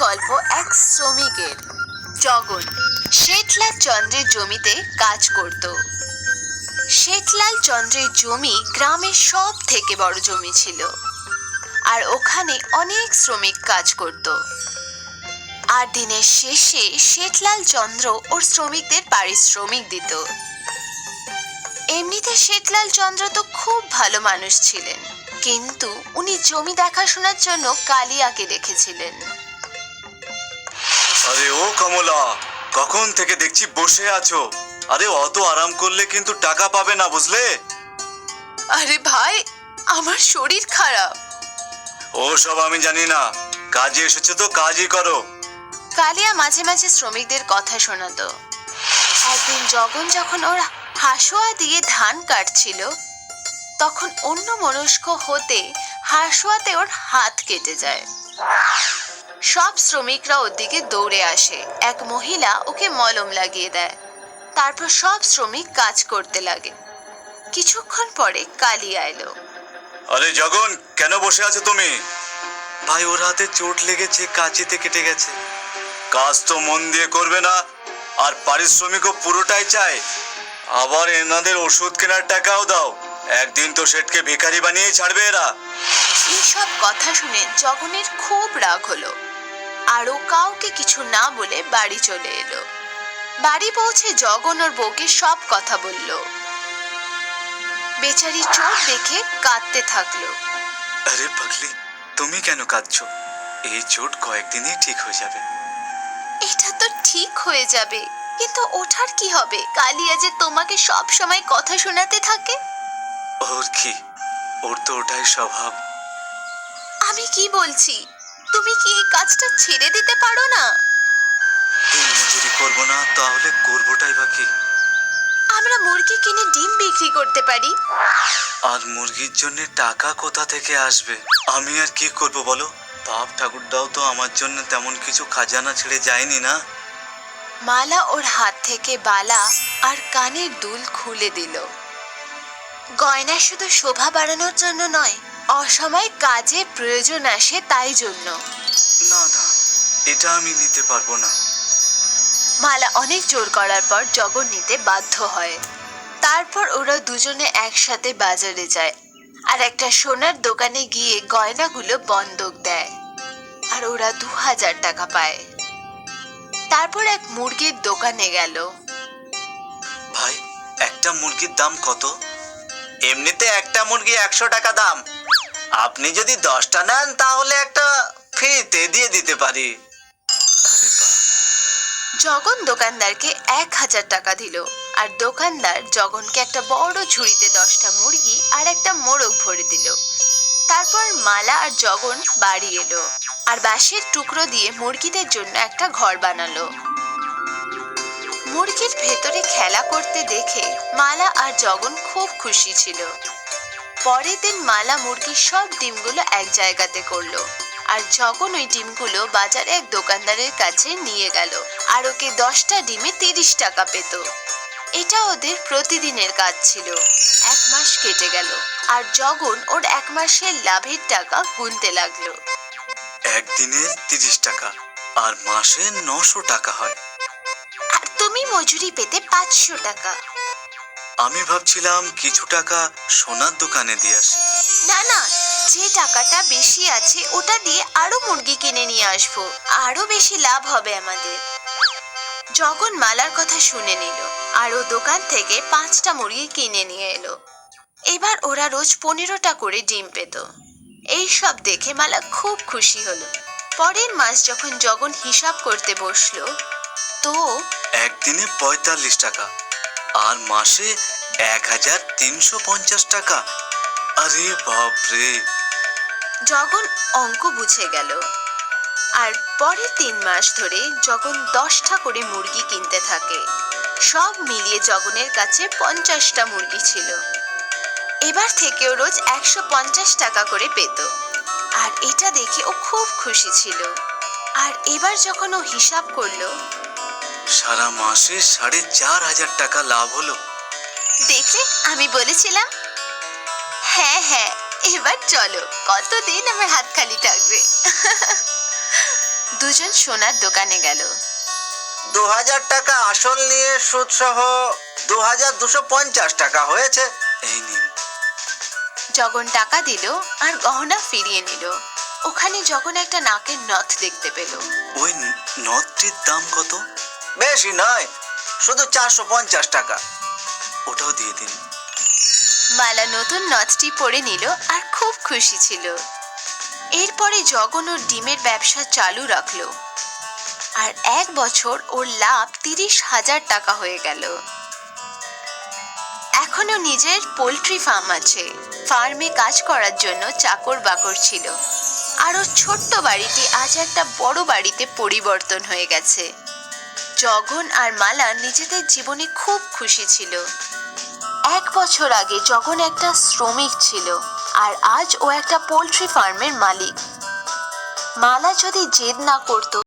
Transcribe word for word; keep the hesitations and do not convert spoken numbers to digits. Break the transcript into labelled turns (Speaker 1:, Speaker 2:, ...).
Speaker 1: গল্প এক শ্রমিকের। জগন শেঠলাল চন্দ্রের জমিতে কাজ করত। শেঠলাল চন্দ্রের জমি গ্রামের সব থেকে বড় জমি ছিল, আর ওখানে অনেক শ্রমিক কাজ করত। আর দিনের শেষে শেঠলাল চন্দ্র ওর শ্রমিকদের পারিশ্রমিক দিত। এমনিতে শেঠলাল চন্দ্র তো খুব ভালো মানুষ ছিলেন, কিন্তু উনি জমি দেখাশোনার জন্য কালিয়াকে রেখেছিলেন।
Speaker 2: আরে ও কমলা, কখন থেকে দেখছি বসে আছো। আরে অত আরাম করলে কিন্তু টাকা পাবে না, বুঝলে?
Speaker 1: আরে ভাই, আমার শরীর খারাপ।
Speaker 2: ও সব আমি জানি না, কাজে এসেছো তো কাজই করো।
Speaker 1: কালিয়া মাঝে মাঝে শ্রমিকদের কথা শোনাতো। একদিন জগন যখন ওর হাসুয়া দিয়ে ধান কাটছিল, তখন অন্য মনস্ক হতে হাসুয়াতে ওর হাত কেটে যায়। সব শ্রমিকরা ওর দিকে দৌড়ে আসে। এক মহিলা ওকে মলম লাগিয়ে দেয়। তারপর সব শ্রমিক কাজ করতে লাগে। কিছুক্ষণ পরে কালিয়া এলো।
Speaker 2: আরে জগন, কেন বসে আছো তুমি? ভাই, ওর হাতে চোট লেগেছে, কাঁচিতে কেটে গেছে। কাজ তো মন দিয়ে করবে না, আর পারিশ্রমিকও পুরোটাই চাই। আবার এনাদের ওষুধ কেনার টাকাও দাও। একদিন তো শেঠকে ভিখারি বানিয়ে ছাড়বে এরা।
Speaker 1: এইসব কথা শুনে জগনের খুব রাগ হলো, আর ও কাউকে কিছু না বলে বাড়ি চলে এলো। বাড়ি পৌঁছে জগন ওর বউকে সব কথা বলল। বেচারি চোট দেখে কাঁদতে থাকলো।
Speaker 2: আরে পাগলি, তুমি কেন কাঁদছো? এই চোট কয়েকদিনই ঠিক হয়ে যাবে।
Speaker 1: এটা তো ঠিক হয়ে যাবে, কিন্তু ওঠার কি হবে? কালিয়া যে তোমাকে সব সময় কথা শোনাতে থাকে।
Speaker 2: ওর কি? ওর তো ওটাই স্বভাব।
Speaker 1: আমি কি বলছি, তুমি কি এই কাজটা ছেড়ে দিতে পারো না?
Speaker 2: দিন মজুরি করবো না, তাহলে করবোটাই বা কি?
Speaker 1: আমরা মুরগি কিনে ডিম বিক্রি করতে পারি।
Speaker 2: আর মুরগির জন্য টাকা কোথা থেকে আসবে? আমি আর কি করব বলো? বাপ ঠাকুরদাও তো আমার জন্য তেমন কিছু খাজানা ছেড়ে যায়নি না।
Speaker 1: মালা ওর হাত থেকে বালা আর কানের দুল খুলে দিল। গয়না শুধু শোভা বাড়ানোর জন্য নয়, অসময়ে কাজে প্রয়োজন আসে তাই জন্য।
Speaker 2: না না, এটা আমি নিতে পারবো না।
Speaker 1: মালা অনেক জোর করার পর জগন নিতে বাধ্য হয়। তারপর ওরা দুজনে একসাথে বাজারে যায়, আর একটা সোনার দোকানে গিয়ে গয়নাগুলো বন্ধক দেয়, আর ওরা দু হাজার টাকা পায়। তারপর এক মুরগির দোকানে গেল।
Speaker 2: ভাই, একটা মুরগির দাম কত? এমনিতে একটা মুরগি একশো টাকা দাম। আপনি যদি দশটা নেন তাহলে একটা ফ্রিতে দিয়ে দিতে পারি। আরে বাহ!
Speaker 1: জগন দোকানদারকে এক হাজার টাকা দিল, আর দোকানদার জগনকে একটা বড় ঝুড়িতে দশটা মুরগি আর একটা মোরগ ভরে দিল। তারপর মালা আর জগন বাড়ি এলো, আর বাঁশের টুকরো দিয়ে মুরগিদের জন্য একটা ঘর বানালো। মুরগির ভেতরে খেলা করতে দেখে মালা আর জগন খুব খুশি ছিল। পরের দিন মালা মুরগির সব ডিমগুলো এক জায়গাতে করলো, আর জগন ওই ডিমগুলো বাজারে এক দোকানদারের কাছে নিয়ে গেল, আর ওকে দশটা ডিমে তিরিশ টাকা পেত। এটা ওদের প্রতিদিনের কাজ ছিল। এক মাস কেটে গেল, আর জগন ওর এক মাসের লাভের টাকা গুনতে লাগলো।
Speaker 2: একদিনে তিরিশ টাকা আর মাসে নশো টাকা হয়।
Speaker 1: আর তুমি মজুরি পেতে পাঁচশো টাকা।
Speaker 2: আমি ভাবছিলাম কিছু টাকা সোনার দোকানে দিয়ে আসি।
Speaker 1: না না, যে টাকাটা বেশি আছে ওটা দিয়ে আরো মুরগি কিনে নিয়ে আসবো, আরো বেশি লাভ হবে আমাদের। জগন মালার কথা শুনে নিল, আর ও দোকান থেকে পাঁচটা মুরগি কিনে নিয়ে এলো। এবার ওরা রোজ পনেরোটা করে ডিম পেত। এই সব দেখে মালা খুব খুশি হলো। পরের মাস যখন জগন হিসাব করতে বসলো, তো
Speaker 2: একদিনে পঁয়তাল্লিশ টাকা আর মাসে এক হাজার তিনশো পঞ্চাশ টাকা। আরে বাপরে!
Speaker 1: জগন অঙ্ক বুঝে গেল। আর পরের তিন মাস ধরে জগন দশটা করে মুরগি কিনতে থাকে। সব মিলিয়ে জগনের কাছে পঞ্চাশটা মুরগি ছিল। এবার থেকে ও রোজ একশো পঞ্চাশ টাকা করে পেত, আর এটা দেখে ও খুব খুশি ছিল। আর এবার যখন ও হিসাব করলো,
Speaker 2: সারা মাসে সাড়ে চার হাজার টাকা লাভ হলো।
Speaker 1: দেখলে আমি বলেছিলাম। হ্যাঁ হ্যাঁ, এবার চলো, কতদিন আমার হাত খালি থাকবে। দুজন সোনার দোকানে গেল।
Speaker 2: দু হাজার টাকা আসল নিয়ে সুদ সহ দু হাজার দুশো পঞ্চাশ টাকা হয়েছে, এই নিন।
Speaker 1: জগন টাকা দিল আর গহনা ফিরিয়ে নিল। ওখানে জগন একটা নাকের নথ দেখতে পেল।
Speaker 2: ওই নথটির দাম কত? বেশি নয়, শুধু চারশো পঞ্চাশ টাকা। ওটাও দিয়ে দিন।
Speaker 1: মালা নতুন নথটি পরে নিল আর খুব খুশি ছিল। এরপরে জগন ওর ডিমের ব্যবসা চালু রাখলো আর এক বছর ওর লাভ তিরিশ হাজার টাকা হয়ে গেল। এখনো নিজের পোল্ট্রি ফার্ম আছে। ফার্মে কাজ করার জন্য চাকর বাকর ছিল আর ওর ছোট্ট বাড়িটি আজ একটা বড় বাড়িতে পরিবর্তন হয়ে গেছে। জগন আর মালা নিজেদের জীবনে খুব খুশি ছিল। এক বছর আগে জগন একটা শ্রমিক ছিল আর আজ ও একটা পোল্ট্রি ফার্মের মালিক। মালা যদি জেদ না করতো